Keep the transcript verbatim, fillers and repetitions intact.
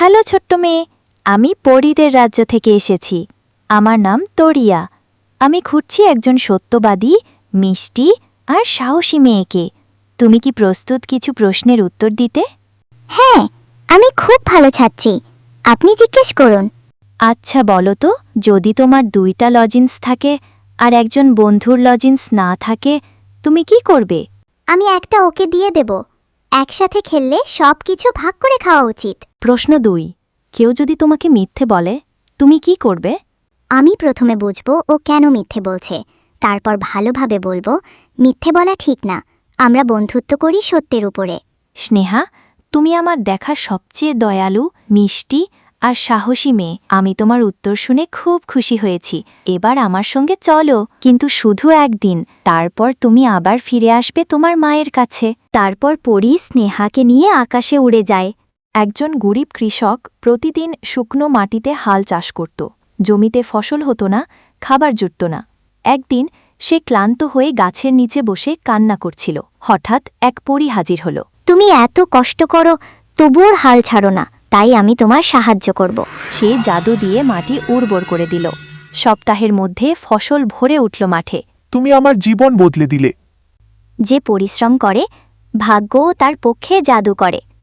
Hello ছোট্ট মেয়ে, আমি পরীদের রাজ্য থেকে এসেছি। আমার নাম তরিয়া। আমি খুঁজছি একজন সত্যবাদী, মিষ্টি আর সাহসী মেয়েকে। তুমি কি প্রস্তুত কিছু প্রশ্নের উত্তর দিতে? হ্যাঁ, আমি খুব ভালো ছাত্রী। আপনি জিজ্ঞেস করুন। আচ্ছা বলো তো, যদি তোমার দুইটা লজিন্স থাকে আর একজন বন্ধুর লজিন্স না থাকে, তুমি কি করবে? আমি একটা ওকে দিয়ে দেব। একসাথে খেললে সব কিছু ভাগ করে খাওয়া উচিত। প্রশ্ন দুই, কেউ যদি তোমাকে মিথ্যে বলে, তুমি কি করবে? আমি প্রথমে বুঝব ও কেন মিথ্যে বলছে, তারপর ভালোভাবে বলবো মিথ্যে বলা ঠিক না, আমরা বন্ধুত্ব করি সত্যের উপরে। স্নেহা, তুমি আমার দেখা সবচেয়ে দয়ালু, মিষ্টি আর সাহসী মেয়ে। আমি তোমার উত্তর শুনে খুব খুশি হয়েছি। এবার আমার সঙ্গে চলো, কিন্তু শুধু একদিন। তারপর তুমি আবার ফিরে আসবে তোমার মায়ের কাছে। তারপর পরী স্নেহাকে নিয়ে আকাশে উড়ে যায়। একজন গরিব কৃষক প্রতিদিন শুকনো মাটিতে হাল চাষ করত। জমিতে ফসল হতো না, খাবার জুটত না। একদিন সে ক্লান্ত হয়ে গাছের নিচে বসে কান্না করছিল। হঠাৎ এক পরী হাজির হল। তুমি এত কষ্ট করো, তবুও হাল ছাড়ো না, তাই আমি তোমার সাহায্য করব। সে জাদু দিয়ে মাটি উর্বর করে দিল। সপ্তাহের মধ্যে ফসল ভরে উঠল মাঠে। তুমি আমার জীবন বদলে দিলে। যে পরিশ্রম করে, ভাগ্যও তার পক্ষে জাদু করে।